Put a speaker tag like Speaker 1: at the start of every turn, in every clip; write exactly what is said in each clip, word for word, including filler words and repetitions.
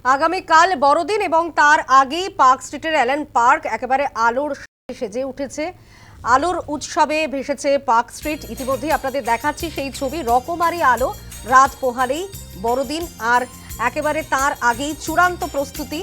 Speaker 1: আগামীকাল বড়দিন এবং তার আগেই পার্ক স্ট্রিটের অ্যালেন পার্ক একেবারে আলোর সেজে উঠেছে। আলোর উৎসবে ভেসেছে পার্ক স্ট্রিট। ইতিমধ্যেই আপনাদের দেখাচ্ছি সেই ছবি। রকমারি আলো রাত পোহালেই বড়দিন, আর একেবারে তার আগেই চূড়ান্ত প্রস্তুতি।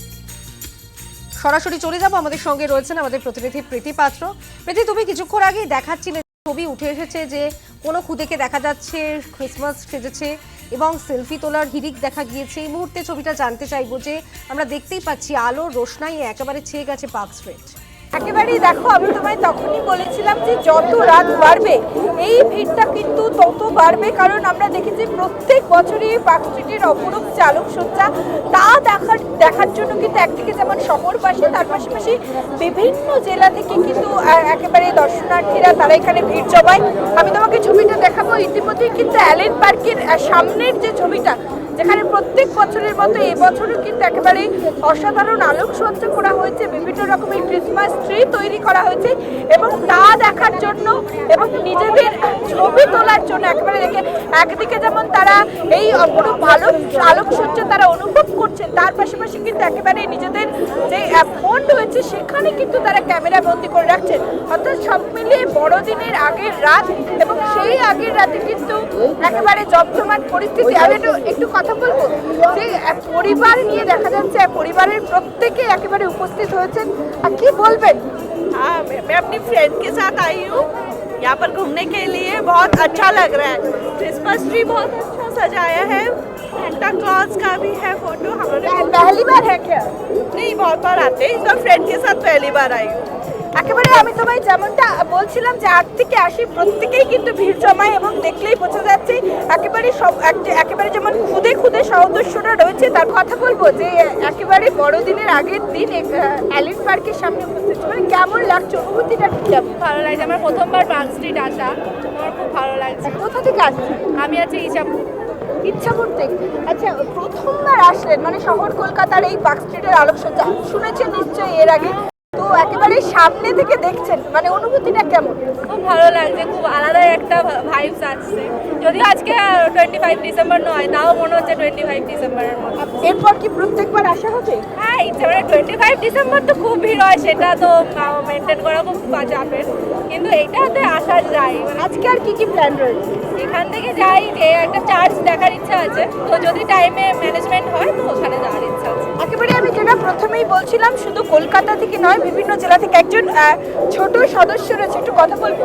Speaker 1: সরাসরি চলে যাব, আমাদের সঙ্গে রয়েছেন আমাদের প্রতিনিধি প্রীতি পাত্র। প্রীতি, তুমি কিছুক্ষণ আগেই দেখাচ্ছিলে ছবি উঠে এসেছে যে কোনো খুদেকে দেখা যাচ্ছে ক্রিসমাস সেজেছে এবং সেলফি তোলার হিড়িক দেখা গিয়েছে। এই মুহূর্তে ছবিটা জানতে চাইবো যে আমরা দেখতেই পাচ্ছি আলোর রোশনাই একেবারে ছেয়ে গেছে পার্ক স্ট্রিট।
Speaker 2: একেবারেই দেখো, আমি তোমায় তখনই বলেছিলাম যে যত রাত বাড়বে এই ভিড়টা কিন্তু তত বাড়বে, কারণ আমরা দেখেছি প্রত্যেক বছরই পার্ক স্ট্রিটের অপরূপ আলোকসজ্জা তা দেখার দেখার জন্য কিন্তু একদিকে যেমন শহরবাসী, তার পাশাপাশি বিভিন্ন জেলা থেকে কিন্তু একেবারে দর্শনার্থীরা তারা এখানে ভিড় জমায়। আমি তোমাকে ছবিটা দেখাবো। ইতিমধ্যেই কিন্তু অ্যালেন পার্কের সামনের যে ছবিটা, যেখানে প্রত্যেক বছরের মতো এবছরও কিন্তু একেবারে অসাধারণ আলোকসজ্জা করা হয়েছে, বিভিন্ন রকমের ক্রিসমাস ট্রি তৈরি করা হয়েছে এবং তা দেখার জন্য এবং নিজেদের ছবি তোলার জন্য একেবারে দেখে একদিকে যেমন তারা এই অপরূপ আলোক আলোকসজ্জা তারা অনুভব করছেন, তার পাশাপাশি কিন্তু একেবারে নিজেদের যে ফোন রয়েছে সেখানে কিন্তু তারা ক্যামেরা বন্দি করে রাখছেন। অর্থাৎ সব মিলিয়ে বড়দিনের আগের রাত এবং সেই আগের রাতে কিন্তু একেবারে জমজমাট পরিস্থিতি। আমি একটু একটু কথা বলবো যে পরিবার নিয়ে দেখা যাচ্ছে, পরিবারের প্রত্যেকে একেবারে উপস্থিত হয়েছেন। আর কি বলবেন?
Speaker 3: हाँ, मैं अपनी फ्रेंड के साथ आई हूँ यहाँ पर घूमने के लिए। बहुत अच्छा लग रहा है। क्रिसमस ट्री बहुत अच्छा सजाया है। सेंटा क्लॉज का भी है फोटो। हमारे
Speaker 2: पहली बार है क्या?
Speaker 3: नहीं, बहुत बार आते हैं। इस बार फ्रेंड के साथ पहली बार आई हूँ।
Speaker 2: একেবারে আমি তোমায় যেমনটা বলছিলাম যে আট থেকে আসি প্রত্যেকেই কিন্তু ভিড় জমায় এবং দেখলেই বোঝা যাচ্ছে একেবারে সব একেবারে যেমন খুদে খুদে সদস্যরা রয়েছে। তার কথা বলবো যে একেবারে বড়দিনের আগের দিন অ্যালেন পার্কের সামনে উপস্থিত, মানে কেমন লাগছে, অনুভূতিটা কেমন?
Speaker 4: ভালো লাগছে। আমার প্রথমবার পার্ক স্ট্রিট আসা, আমার খুব ভালো লাগছে।
Speaker 2: কোথা থেকে আসছে?
Speaker 4: আমি আছি ইচ্ছাপুর।
Speaker 2: ইচ্ছাপুর থেকে। আচ্ছা, প্রথমবার আসলেন মানে শহর কলকাতার এই পার্ক স্ট্রিটের আলোকসজ্জা শুনেছেন নিশ্চয়ই এর আগে, তো একেবারে সামনে থেকে দেখছেন, মানে অনুভূতিটা কেমন?
Speaker 4: খুব ভালো লাগছে, খুব আলাদা একটা ভাইবস আসছে। যদিও আজকে টোয়েন্টি ফাইভ ডিসেম্বর নয়, তাও মনে হচ্ছে টোয়েন্টি ফাইভ ডিসেম্বরের মতো।
Speaker 2: এরপর কি প্রত্যেকবার আসা হবে?
Speaker 4: হ্যাঁ, ইচ্ছা মানে টোয়েন্টি ফাইভ ডিসেম্বর তো খুব ভিড় হয়, সেটা তো মেনটেন করা খুব চাপের, কিন্তু এইটাতে আসা যায়। মানে
Speaker 2: আজকে আর কি কি প্ল্যান রয়েছে?
Speaker 4: এখান থেকে যাই যে একটা চার্চ দেখার ইচ্ছা আছে, তো যদি টাইমে ম্যানেজমেন্ট হয় তো ওখানে যাওয়ার ইচ্ছা আছে।
Speaker 2: একেবারে আমি যেটা প্রথমেই বলছিলাম, শুধু কলকাতা থেকে নয়, বিভিন্ন জেলা থেকে একজন ছোট সদস্য রয়েছে, একটু কথা বলবো।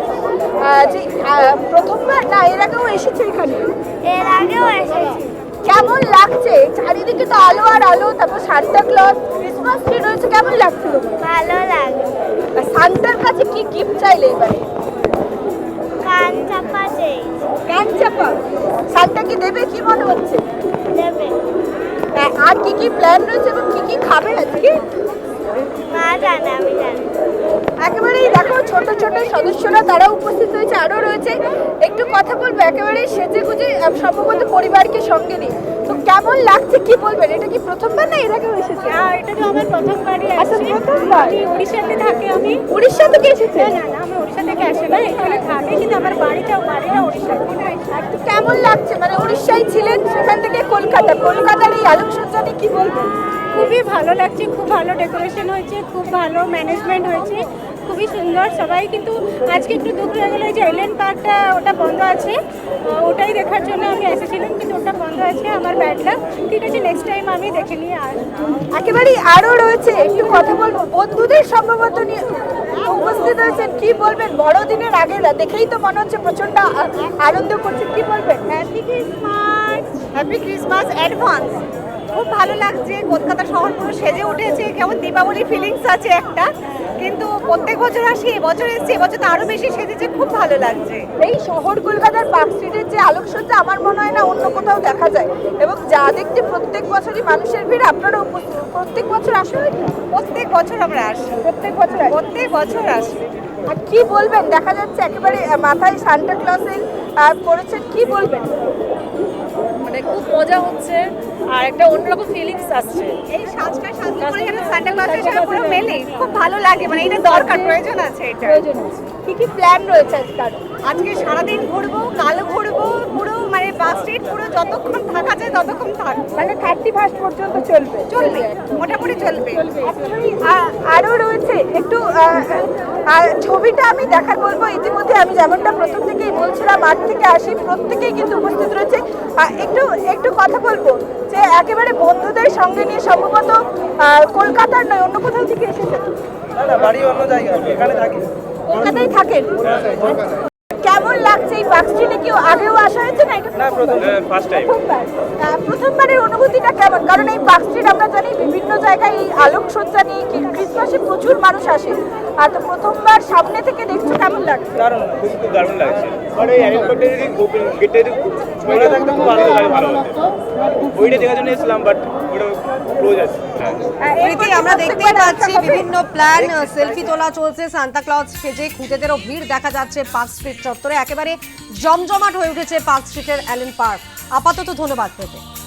Speaker 2: যে প্রথমবার না এর আগেও এসেছে এখানে?
Speaker 5: এর আগেও এসেছি।
Speaker 2: কেমন লাগছে? চারিদিকে তো আলো আর আলো, তারপর সান্টা ক্লজ, ক্রিসমাস ট্রি রয়েছে, কেমন লাগছিল?
Speaker 5: ভালো লাগে।
Speaker 2: সান্টার কাছে কি গিফট চাইলে এবারে?
Speaker 5: কান চাপা চেয়েছি।
Speaker 2: কান চাপা? সান্টা কি দেবে কি মনে হচ্ছে?
Speaker 5: দেবে।
Speaker 2: আর কি কি প্ল্যান রয়েছে এবং কি কি খাবে আজকে?
Speaker 5: মা জানে, আমি জানি।
Speaker 2: একেবারেই দেখো ছোট ছোট সদস্যরা তারা উপস্থিত হয়েছে, আরো রয়েছে। একটু কথা বলবো। একেবারে সেজে গুজে সম্ভবত পরিবারকে সঙ্গে নিয়ে, তো কেমন লাগছে কি বলবেন? এটা কি প্রথমবার না এর আগেও এসেছে?
Speaker 4: আর এটা তো আমার প্রথমবারই
Speaker 2: আচ্ছা,
Speaker 4: আসছে।
Speaker 2: প্রথমবার।
Speaker 4: আমি উড়িষ্যাতে থাকি। আমি
Speaker 2: উড়িষ্যা থেকে এসেছে?
Speaker 4: না না, আমি উড়িষ্যা থেকে আসি না, এখানে থাকি, কিন্তু আমার বাড়িটা বাড়িটা উড়িষ্যাতে।
Speaker 2: একটু কেমন লাগছে? মানে উড়িষ্যায় ছিলেন, সেখান থেকে কলকাতা, কলকাতার এই আলোকসজ্জা নিয়ে কি বলবেন?
Speaker 4: খুবই ভালো লাগছে, খুব ভালো ডেকোরেশন হয়েছে, খুব ভালো ম্যানেজমেন্ট হয়েছে, খুবই সুন্দর। সবাই কিন্তু আজকে একটু দুঃখ হয়ে গেলো যে এলেন পার্কটা ওটা বন্ধ আছে, ওটাই দেখার জন্য আমি এসেছিলাম, কিন্তু ওটা বন্ধ আছে, আমার ব্যাড লাক। ঠিক আছে, নেক্সট টাইম আমি দেখে নিয়ে আসবো।
Speaker 2: একেবারেই আরো রয়েছে, একটু কথা বলবো। বন্ধুদের সম্ভবত নিয়ে উপস্থিত হয়েছেন, কি বলবেন? বড়দিনের আগে দেখেই তো মনে হচ্ছে প্রচন্ড আনন্দ করছে, কি বলবেন?
Speaker 3: Happy Christmas. Happy Christmas advance. খুব ভালো লাগছে। কলকাতা শহর পুরো সেজে উঠেছে, কেমন দীপাবলি ফিলিংস আছে একটা, কিন্তু প্রত্যেক বছর আসি, এবছর এসেছি, এবছর তো আরো বেশি সেজেছে, খুব ভালো লাগছে।
Speaker 2: এই শহর কলকাতার পার্ক স্ট্রিটের যে আলোকসজ্জা আমার মনে হয় না অন্য কোথাও দেখা যায়, এবং যা দেখতে প্রত্যেক বছরই মানুষের ভিড়। আপনারা প্রত্যেক বছর আসে?
Speaker 3: প্রত্যেক বছর আমরা আসি,
Speaker 2: প্রত্যেক বছর
Speaker 3: প্রত্যেক বছর আসি।
Speaker 2: আর কি বলবেন? দেখা যাচ্ছে একেবারে মাথায় সান্টা ক্লজের করেছেন, কি বলবেন?
Speaker 4: মানে খুব মজা হচ্ছে আর একটা অন্যরকম ফিলিংস আসছে।
Speaker 3: এই সাজটা সাজটা করে যেন সান্টা ক্লজের সাথে পুরো মেলে, খুব ভালো লাগে। মানে এটা দরকার, প্রয়োজন আছে এটা।
Speaker 2: প্রয়োজন আছে। কি কি প্ল্যান রয়েছে আজকাল?
Speaker 3: আজকে সারাদিন ঘুরবো, কাল ঘুরবো, পুরো মানে পার্ক স্ট্রিট পুরো যতক্ষণ থাকা যায় ততক্ষণ থাকবো।
Speaker 2: মানে থার্টি ফার্স্ট পর্যন্ত চলবে
Speaker 3: চলবে, মোটামুটি চলবে।
Speaker 2: আ- আরো রয়েছে একটু আহ, আহ, ছবিটা আমি দেখার বলবো। ইতিমধ্যে আমি যেমনটা প্রথম থেকেই বলছিলাম, মাঠ থেকে আসি প্রত্যেকেই কিন্তু উপস্থিত রয়েছে। আহ, একটু একটু কথা বলবো যে একেবারে বন্ধুদের সঙ্গে নিয়ে সম্ভবত আহ, কলকাতার নয় অন্য কোথাও থেকে এসেছে,
Speaker 6: না না বাড়ি অন্য জায়গায়, এখানে থাকি।
Speaker 2: কলকাতায় থাকেন। কেমন লাগছে এই পার্ক স্ট্রিটে? কেউ আগেও আসা হয়েছে না? এটা
Speaker 6: না প্রথম ফার্স্ট টাইম।
Speaker 2: প্রথমবার। আহ, প্রথমবারের অনুভূতিটা কেমন? কারণ এই পার্ক স্ট্রিট আমরা জানি বিভিন্ন জায়গায় এই আলোকসজ্জা নিয়ে কি- ক্রিসমাসে প্রচুর মানুষ আসে, আর তো প্রথমবার সামনে থেকে দেখছো, কেমন লাগে?
Speaker 6: দারুণ, খুব খুব দারুণ লাগছে। আর এই অ্যারেঞ্জমেন্টটা যদি গেটে যদি খোলা থাকতো খুব আনন্দ লাগে, ভালো হতো। ওইটা দেখার জন্য এসেছিলাম, বাট ওটা ক্লোজ আছে। হ্যাঁ
Speaker 2: আহ,
Speaker 1: প্রীতি,
Speaker 2: এরপরে
Speaker 1: আমরা দেখতেই
Speaker 2: প্রত্যেকবার
Speaker 1: পাচ্ছি
Speaker 2: আসা হবে?
Speaker 1: বিভিন্ন প্ল্যান, সেলফি তোলা চলছে, সান্তা ক্লজ সেজে খুঁতেদেরও ভিড় দেখা যাচ্ছে পার্ক স্ট্রিট চত্বরে। একেবারে জমজমাট হয়ে উঠেছে পার্ক স্ট্রিটের অ্যালেন পার্ক। আপাতত ধন্যবাদ পেতে।